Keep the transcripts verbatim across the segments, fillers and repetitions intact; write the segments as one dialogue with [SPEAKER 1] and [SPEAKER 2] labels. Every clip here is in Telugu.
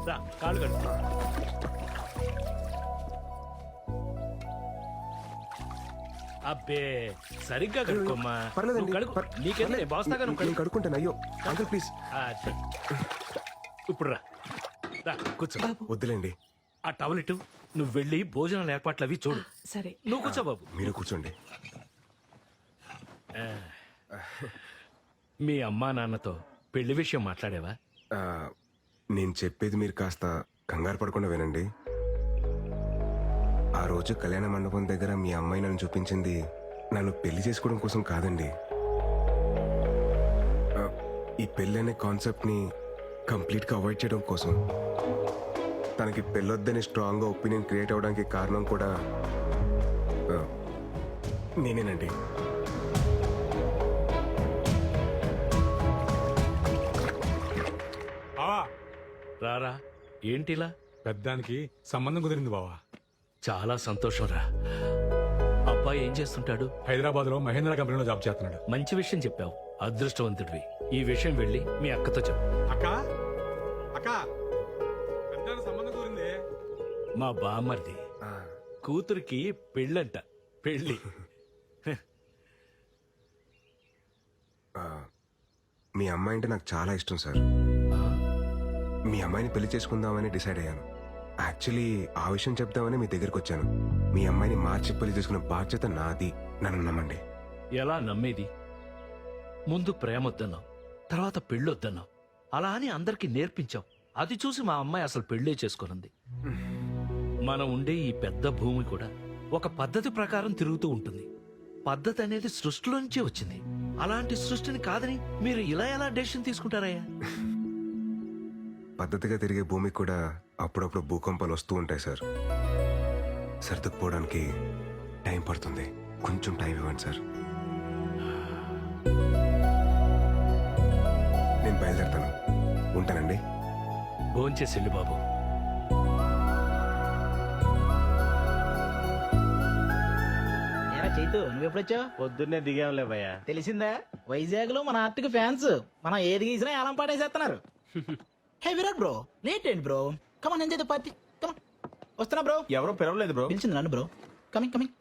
[SPEAKER 1] రా కాళ్ళు కడుపు. అబ్బే సరిగ్గా కడుక్కోమ్మా.
[SPEAKER 2] పర్లేదండి.
[SPEAKER 1] నువ్వు కడుక్కో.
[SPEAKER 2] పర్-
[SPEAKER 1] నీకేంది
[SPEAKER 2] పర్లేదు.
[SPEAKER 1] బాస్తాగా నువ్వు
[SPEAKER 2] నేను
[SPEAKER 1] కడుక్కో.
[SPEAKER 2] కడుక్కుంటాను. అయ్యో అంకుల్ ప్లీజ్.
[SPEAKER 1] ఆ, సరే. ఇప్పుడు రా రా కూర్చో.
[SPEAKER 2] వద్దులేండి,
[SPEAKER 1] ఆ టవల్ ఇటు. నువ్వు వెళ్ళి భోజనాల ఏర్పాట్లు అవి చూడు.
[SPEAKER 3] సరే
[SPEAKER 1] నువ్వు కూర్చో బాబు.
[SPEAKER 2] మీరు కూర్చోండి.
[SPEAKER 1] మీ అమ్మా నాన్నతో పెళ్లి విషయం మాట్లాడేవా?
[SPEAKER 2] ఆ, నేను చెప్పేది మీరు కాస్త కంగారు పడకుండా వినండి. ఆ రోజు కళ్యాణ మండపం దగ్గర మీ అమ్మాయి నన్ను చూపించింది నన్ను పెళ్లి చేసుకోవడం కోసం కాదండి. ఆ, ఈ పెళ్లి అనే కాన్సెప్ట్ని కంప్లీట్గా అవాయిడ్ చేయడం కోసం. తనకి పెళ్ళొద్దని స్ట్రాంగ్గా ఒపీనియన్ క్రియేట్ అవ్వడానికి కారణం కూడా ఆ, నేనేనండి.
[SPEAKER 4] బావా
[SPEAKER 1] రారా. ఏంటిలా?
[SPEAKER 4] పెద్దానికి సంబంధం కుదిరింది బావా.
[SPEAKER 1] చాలా సంతోషం రా. అబ్బాయి ఏం చేస్తుంటాడు?
[SPEAKER 4] హైదరాబాద్ లో మహేంద్ర కంపెనీలో జాబ్ చేస్తున్నాడు.
[SPEAKER 1] మంచి విషయం చెప్పావు. అదృష్టవంతుడివి. ఈ విషయం వెళ్ళి మీ అక్కతో చెప్పు.
[SPEAKER 4] అక్క అక్క పెద్దానికి సంబంధం కుదిరింది.
[SPEAKER 1] మా బామ్మర్ది
[SPEAKER 2] ఆ,
[SPEAKER 1] కూతురికి పెళ్ళంట. పెళ్ళి.
[SPEAKER 2] ఆ, మీ అమ్మాయి అంటే నాకు చాలా ఇష్టం సార్. మీ అమ్మాయిని పెళ్లి చేసుకుందామని డిసైడ్ అయ్యాను. యాక్చువల్లీ ఆ విషయం చెప్దామని మీ దగ్గరికి వచ్చాను. మీ అమ్మాయిని మార్చి పెళ్లి చేసుకునే బాధ్యత నాది. నన్ను నమ్మండి.
[SPEAKER 1] ఎలా నమ్మేది? ముందు ప్రేమొద్దన్నావు, తర్వాత పెళ్ళొద్దన్నావు. అలా అని అందరికీ నేర్పించావు. అది చూసి మా అమ్మాయి అసలు పెళ్ళే చేసుకున్నది. మనం ఉండే ఈ పెద్ద భూమి కూడా ఒక పద్ధతి ప్రకారం తిరుగుతూ ఉంటుంది. పద్ధతి అనేది సృష్టిలో నుంచే వచ్చింది. అలాంటి సృష్టిని కాదని మీరు ఇలా ఎలా డెసిషన్ తీసుకుంటారయ్యా?
[SPEAKER 2] పద్ధతిగా తిరిగే భూమికి కూడా అప్పుడప్పుడు భూకంపాలు వస్తూ ఉంటాయి సార్. సర్దుకుపోవడానికి టైం పడుతుంది. కొంచెం టైం ఇవ్వండి సార్. నేను బయలుదేరుతాను. ఉంటానండి.
[SPEAKER 1] భోంచేసి వెళ్ళు బాబు.
[SPEAKER 5] ఏరా చైతు నువ్వెప్పుడొచ్చావు?
[SPEAKER 6] పొద్దున్నే దిగాంలే భయ్య.
[SPEAKER 5] తెలిసిందా, వైజాగ్ లో మన ఆర్టిక్ ఫ్యాన్స్ మనం ఏది గీసినా ఏలం పాటేసేస్తున్నారు. హే విరాట్ బ్రో, లేట్ ఏంటి bro? Come on enjoy the party. Come on వస్తున్నా బ్రో.
[SPEAKER 6] ఎవరో పిలవలేదు బ్రో.
[SPEAKER 5] పిలిచింది నన్ను బ్రో. Coming coming.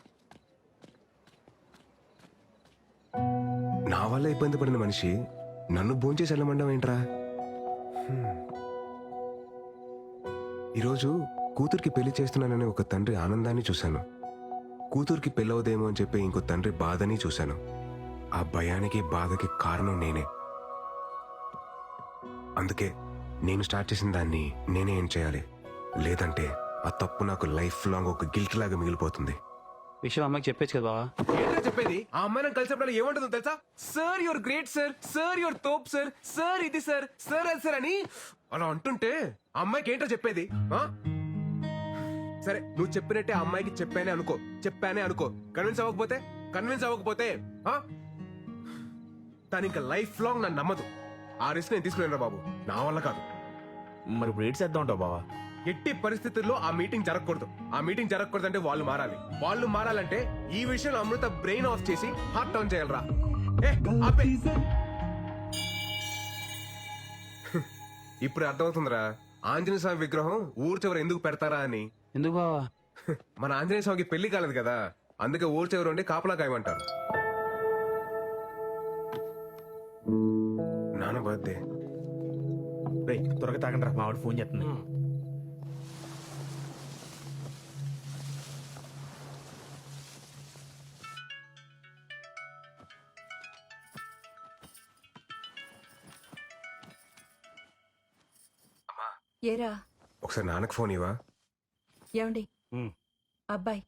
[SPEAKER 2] నా వల్ల ఇబ్బంది పడిన మనిషి నన్ను భోంచేసి వెళ్ళమండం ఏంట్రా? హ్మ్. ఈరోజు కూతురికి పెళ్లి చేస్తున్నానని ఒక తండ్రి ఆనందాన్ని చూశాను. కూతురికి పెళ్ళవదేమో అని చెప్పి ఇంకో తండ్రి బాధని చూశాను. ఆ భయానికి బాధకి కారణం నేనే. అందుకే నేను స్టార్ట్ చేసిన దాన్ని నేనే ఏం చేయాలి. లేదంటే ఆ తప్పు నాకు లైఫ్ లాంగ్ ఒక గిల్ట్ లాగా మిగిలిపోతుంది.
[SPEAKER 6] విషయం అమ్మకి చెప్పేచ్చు కదా బావా.
[SPEAKER 2] ఏంటో చెప్పేది? ఆ అమ్మాయి నాకు కలిసినప్పుడు ఏమంటుందో తెలుసా? Sir your great sir, sir your తోప్ సార్, సార్ ఇది సార్, సార్ అది సార్ అని అలా అంటుంటే ఆ అమ్మాయికి ఏంటో చెప్పేది? ఆ? సరే నువ్వు చెప్పినట్టే ఆ అమ్మాయికి చెప్పానే అనుకో, చెప్పానే అనుకో. కన్విన్స్ అవ్వకపోతే కన్విన్స్ అవ్వకపోతే ఆ? తను ఇంకా లైఫ్ లాంగ్ నన్ను నమ్మదు. ఆ రిస్క్ నేను తీసుకున్నాను బాబు. నా వల్ల కాదు.
[SPEAKER 6] మరి ఇప్పుడు ఏడ్ చేద్దాం ఉంటావు బావా.
[SPEAKER 2] ఎట్టి పరిస్థితుల్లో ఆ మీటింగ్ జరగకూడదు. ఆ మీటింగ్ జరగకూడదు అంటే వాళ్ళు మారాలి. వాళ్ళు మారాలంటే ఈ విషయంలో అమృత బ్రెయిన్ ఆఫ్ చేసి హార్ట్ ఆన్ చేయాలరా. ఏ, ఆపే. ఇప్పుడు అర్థమవుతుందిరా ఆంజనేయ స్వామి విగ్రహం ఊరు చివర ఎందుకు పెడతారా అని.
[SPEAKER 6] ఎందుకు బావా?
[SPEAKER 2] మన ఆంజనేయ స్వామికి పెళ్లి కాలేదు కదా, అందుకే ఊరు చివర ఉండి కాపలా కాయమంటారు. నాన్న బర్త్డే.
[SPEAKER 6] రేయ్ త్వరగా తాగండి రా, మావాడు ఫోన్ చేస్తుంది.
[SPEAKER 3] ఏరా
[SPEAKER 2] ఒకసారి నాన్నకు ఫోన్ ఇవ్వా.
[SPEAKER 3] ఏమండి
[SPEAKER 1] ఉమ్.
[SPEAKER 3] అబ్బాయి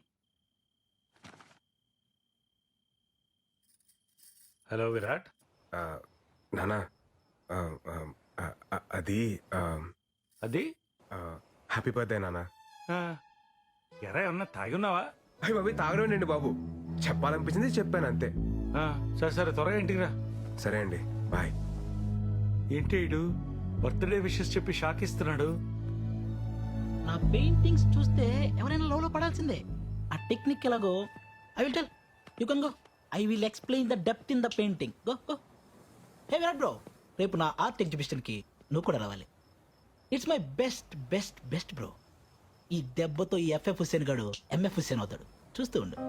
[SPEAKER 1] హలో విరాట్.
[SPEAKER 2] ఆ, నానా ఆ, ఆ, ఆ, ఆ, అది ఆ,
[SPEAKER 1] అది
[SPEAKER 2] ఆ, హ్యాపీ బర్త్డే నానా.
[SPEAKER 1] ఎరా ఏమన్నా తాగున్నావా?
[SPEAKER 2] అయ్యి బాబు తాగడండి బాబు, చెప్పాలనిపించింది చెప్పాను అంతే.
[SPEAKER 1] సరే సరే త్వరగా ఇంటికి రా.
[SPEAKER 2] సరే అండి, బాయ్.
[SPEAKER 1] ఏంటి ఇడు బర్త్డే విషెస్ చెప్పి షాక్ ఇస్తున్నాడు?
[SPEAKER 5] నా పెయింటింగ్స్ చూస్తే ఎవరైనా లోలో పడాల్సిందే. ఆ టెక్నిక్ ఎలాగో I will tell you can go. I will explain the depth in the painting. Go go. Hey Virat bro, రేపు నా ఆర్ట్ ఎగ్జిబిషన్ కి నువ్వు కూడా రావాలి. It's my best best best bro. ఈ దెబ్బతో ఈ ఎఫ్ఎఫ్ హుస్సేన్ గాడు ఎంఎఫ్ హుస్సేన్ అవుతాడు. చూస్తూ ఉండు.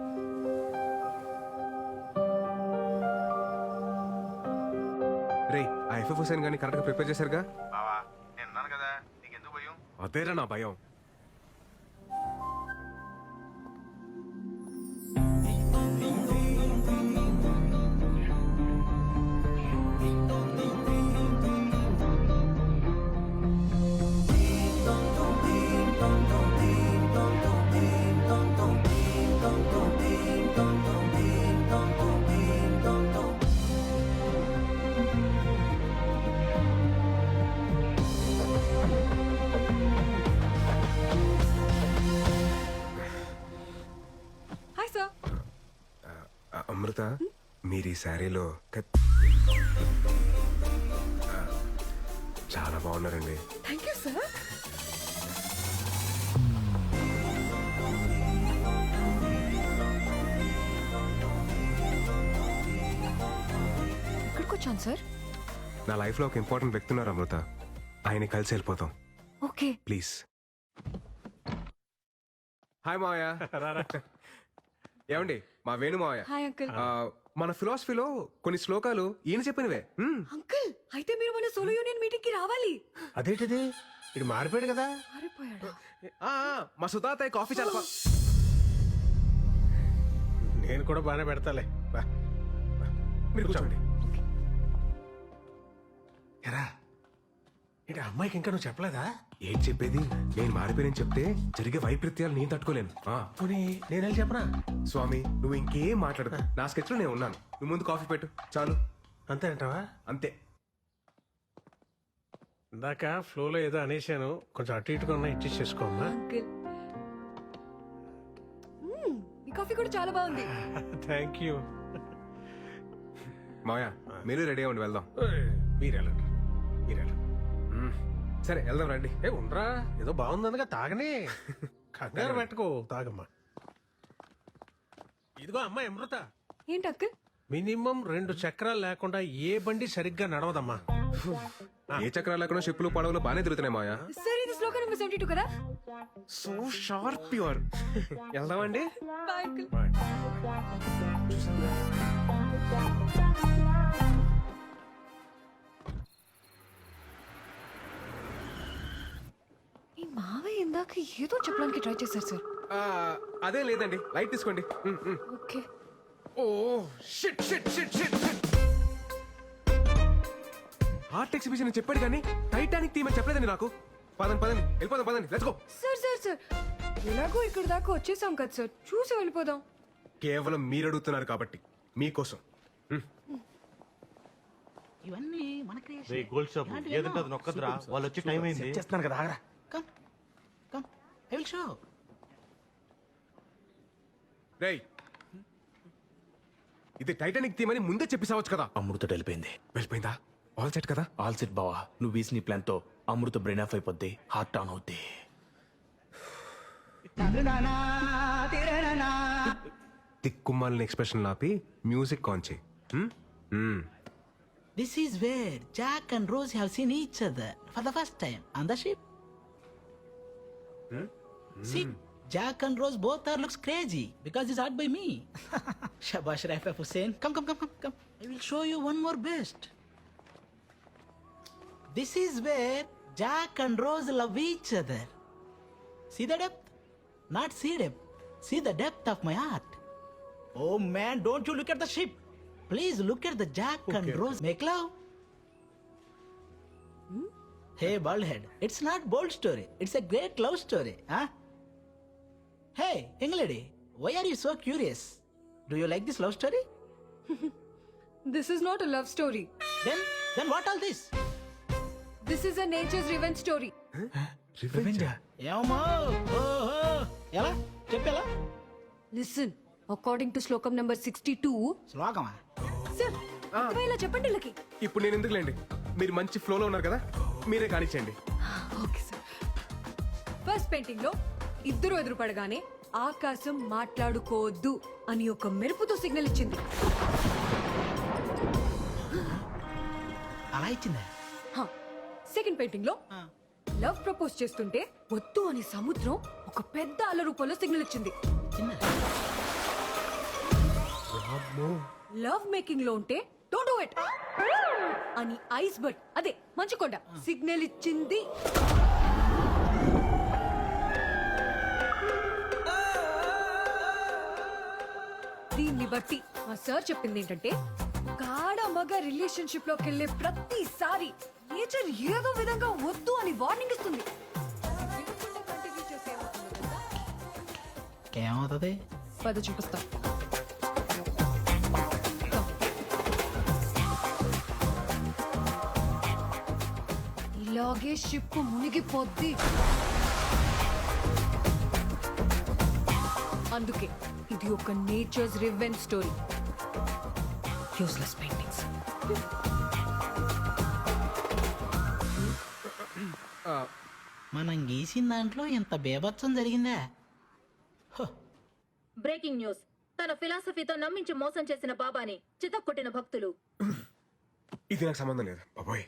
[SPEAKER 2] రే ఆ ఎఫ్ఎఫ్ హుసేన్ గాని కరెక్ట్ గా ప్రిపేర్ చేశారుగా?
[SPEAKER 6] బావా నేను ఉన్నాను కదా, నీకెందుకు భయం?
[SPEAKER 2] అదేరా నా భయం.
[SPEAKER 3] Hi sir.
[SPEAKER 2] ఆ, అమృత మీరు ఈ శారీలో కత్- ఆ, చాలా బాగున్నారండి.
[SPEAKER 3] Thank you sir. ఎక్కడికి వచ్చాను సార్?
[SPEAKER 2] నా లైఫ్ లో ఒక ఇంపార్టెంట్ వ్యక్తి ఉన్నారు అమృత. ఆయన కలిసి వెళ్ళిపోతాం
[SPEAKER 3] ఓకే.
[SPEAKER 2] ప్లీజ్. హాయ్ మావయ్య. ఏమండి మా వేణు మావయ్య.
[SPEAKER 3] Hi uncle.
[SPEAKER 2] ఆ, మన ఫిలాసఫీలో కొన్ని శ్లోకాలు ఈయన చెప్పినవే. మ్మ్.
[SPEAKER 3] అంకుల్ అయితే మీరు మన సోలో యూనియన్ మీటింగ్ కి రావాలి.
[SPEAKER 7] అదేంటిది ఇది మారిపోయాడు కదా.
[SPEAKER 3] మారిపోయాడా?
[SPEAKER 2] ఆ, ఆ, మా సుతాతయ్య కాఫీ చాలా బా-
[SPEAKER 7] నేను కూడా బాగానే పెడతాలే. బా.
[SPEAKER 2] మీరు కూర్చోండి.
[SPEAKER 7] ఎరా ఏంటి అమ్మాయికి ఇంకా నువ్వు చెప్పలేదా?
[SPEAKER 2] ఏం చెప్పేది? నేను మారిపోయానని చెప్తే జరిగే వైపరీత్యాలు నేను తట్టుకోలేను. ఆ,
[SPEAKER 7] పోనీ నేను వెళ్ళి చెప్పనా?
[SPEAKER 2] స్వామి నువ్వు ఇంకేం మాట్లాడదు. నా స్కెచ్ లో నేను ఉన్నాను. నువ్వు ముందు కాఫీ పెట్టు చాలు.
[SPEAKER 7] అంతే అంటావా?
[SPEAKER 2] అంతే.
[SPEAKER 7] ఇందాక ఫ్లోలో ఏదో అనేశాను, కొంచెం అటు ఇటుగా ఉన్నా ఇచ్చి చేసుకోమ్మా.
[SPEAKER 3] అంకుల్ మ్మ్, ఈ కాఫీ కూడా చాలా బాగుంది.
[SPEAKER 7] Thank you.
[SPEAKER 2] మావయ్య మీరు రెడీ అవ్వండి వెళ్దాం.
[SPEAKER 7] మీరు వెళ్ళండి మీరు వెళ్ళండి.
[SPEAKER 2] మ్మ్. సరే వెళ్దాం రండి.
[SPEAKER 7] ఏ ఉండరా, ఏదో బాగుందనగా తాగనే. కంగారు పెట్టుకో, తాగమ్మా. ఇదిగో అమ్మాయి అమృత,
[SPEAKER 3] ఏంటి అంకుల్?
[SPEAKER 7] మినిమం రెండు చక్రాలు లేకుండా ఏ బండి సరిగ్గా నడవదమ్మా.
[SPEAKER 2] ఏ చక్రాలు లేకుండా షిప్పులు పడవలు బాగానే తిరుగుతున్నాయి మావయ్య.
[SPEAKER 3] సార్ ఇది శ్లోక నెంబర్ సెవెంటీ టూ కదా?
[SPEAKER 2] So sharp pure. వెళ్దామండి.
[SPEAKER 3] Bye uncle. ఈ మావయ్య ఇందాక ఏదో చెప్పడానికి ట్రై చేశారు సార్.
[SPEAKER 2] ఆ, అదే లేదండి లైట్ తీసుకోండి. మ్మ్, మ్మ్.
[SPEAKER 3] Okay.
[SPEAKER 2] Oh shit shit shit shit art exhibition చెప్పాడు కానీ టైటానిక్ థీమ్ అని చెప్పలేదండి నాకు. పదండి పదండి వెళ్ళిపోదాం పదండి. Let's go.
[SPEAKER 3] Sir sir sir ఎలాగో ఇక్కడ దాకా వచ్చేసాం కదా సార్, చూసి వెళ్ళిపోదాం.
[SPEAKER 2] కేవలం మీరు అడుగుతున్నారు కాబట్టి మీకోసం.
[SPEAKER 5] ఇవన్నీ మన
[SPEAKER 6] రే గోల్డ్ షాప్ ఏదంటే అది నొక్కదురా, వాళ్ళు వచ్చి టైం అయింది.
[SPEAKER 7] చేస్తున్నాను కదా, ఆగరా.
[SPEAKER 5] Come come I will show.
[SPEAKER 2] రేయ్ ఇది టైటానిక్ థీమ్ అని ముందే చెప్పేసావచ్చు కదా.
[SPEAKER 6] అమృత వెళ్ళిపోయింది.
[SPEAKER 2] వెళ్ళిపోయిందా? ఆల్ సెట్ కదా?
[SPEAKER 6] ఆల్ సెట్ బావా, నువ్వు వేసిన నీ ప్లాన్ తో అమృత బ్రెయిన్ ఆఫ్ అయిపోద్ది, హార్ట్ ఆన్ అవుద్ది.
[SPEAKER 2] తిక్కుమాలిన ఎక్స్ప్రెషన్ ఆపి మ్యూజిక్ ఆన్ చేయి. హ్మ్? హ్మ్.
[SPEAKER 5] This is where Jack and Rose have seen each other for the first time on the ship. See, Jack and Rose both are looks crazy because it's art by me. Shabash Raif Hussain. Come, come, come, come, come. I will show you one more best. This is where Jack and Rose love each other. See the depth? Not see depth. See the depth of my art. Oh man, don't you look at the ship. Please look at the Jack and Rose make love. Hmm? Hey, baldhead, it's not bold story. It's a great love story, huh? Hey, young lady, why are you so curious? Do you like this love story?
[SPEAKER 3] This is not a love story.
[SPEAKER 5] Then, then what all this?
[SPEAKER 3] This is a nature's revenge story.
[SPEAKER 5] ఏమో ఓహో ఎలా చెప్పేలా
[SPEAKER 3] Listen, according to శ్లోకం number sixty-two.
[SPEAKER 5] శ్లోకమా?
[SPEAKER 3] సార్ అర్థమయ్యేలా చెప్పండి వీళ్ళకి.
[SPEAKER 2] ఇప్పుడు నేను ఎందుకులేండి, మీరు మంచి ఫ్లోలో ఉన్నారు కదా, మీరే కానిచ్చేయండి.
[SPEAKER 3] Okay sir. ఫస్ట్ పెయింటింగ్ లో ఇద్దరు ఎదురుపడగానే ఆకాశం మాట్లాడుకోవద్దు అని ఒక మెరుపుతో సిగ్నల్ ఇచ్చింది.
[SPEAKER 5] అలా ఇచ్చిందా?
[SPEAKER 3] సెకండ్ పెయింటింగ్ లో లవ్ ప్రపోజ్ చేస్తుంటే వద్దు అని సముద్రం ఒక పెద్ద అల రూపంలో సిగ్నల్ ఇచ్చింది. లవ్ మేకింగ్ లో ఉంటే డోంట్ డూ ఇట్ అని ఐస్ బర్డ్ అదే మంచుకొండ సిగ్నల్ ఇచ్చింది. దీన్ని బట్టి మా సార్ చెప్పింది ఏంటంటే గాఢ మగ రిలేషన్షిప్ లోకి వెళ్ళే ప్రతిసారి నేచర్ ఏదో విధంగా వద్దు అని వార్నింగ్ ఇస్తుంది. వినకుండా continue చేస్తే ఏమవుతుందో తెలుసా?
[SPEAKER 5] ఏమవుతుంది?
[SPEAKER 3] పద చూపిస్తా. ఇలాగే షిప్ మునిగిపోద్ది. అందుకే ఇది ఒక nature's revenge story. Useless paintings.
[SPEAKER 5] మనం గీసిన దాంట్లో ఇంత బేభత్సం జరిగిందా?
[SPEAKER 8] Breaking news. తన ఫిలాసఫీతో నమ్మించి మోసం చేసిన బాబాని చితక్కొట్టిన భక్తులు.
[SPEAKER 2] ఇది నాకు సంబంధం లేదు బాబోయ్.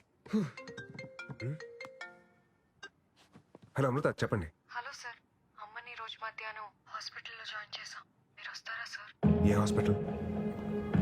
[SPEAKER 2] హలో అమృత, చెప్పండి.
[SPEAKER 3] హలో సార్, అమ్మని రోజు మధ్యాహ్నం హాస్పిటల్లో జాయిన్ చేశాం. మీరు వస్తారా సార్?
[SPEAKER 2] ఏ హాస్పిటల్?